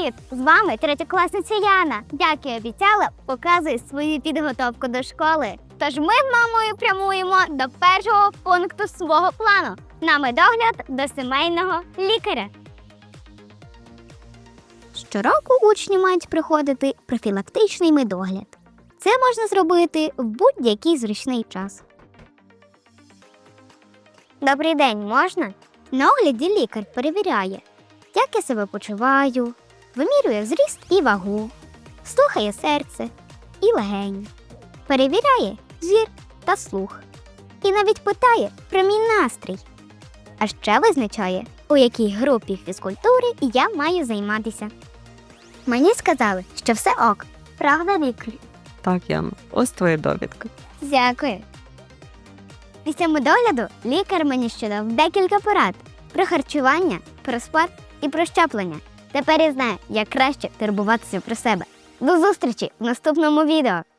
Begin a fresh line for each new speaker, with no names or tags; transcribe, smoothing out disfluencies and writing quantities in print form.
Привіт! З вами третьокласниця Яна. Як і обіцяла, показую свою підготовку до школи. Тож ми з мамою прямуємо до першого пункту свого плану – на медогляд до сімейного лікаря. Щороку учні мають проходити профілактичний медогляд. Це можна зробити в будь-який зручний час. Добрий день, можна? На огляді лікар перевіряє, як я себе почуваю, вимірює зріст і вагу, слухає серце і легені, перевіряє зір та слух і навіть питає про мій настрій. А ще визначає, у якій групі фізкультури я маю займатися. Мені сказали, що все ок. Правда, лікар?
Так, Яна, ось твоя довідка.
Дякую. Після медогляду лікар мені ще дав декілька порад про харчування, про спорт і про щеплення. Тепер я знаю, як краще турбуватися про себе. До зустрічі в наступному відео!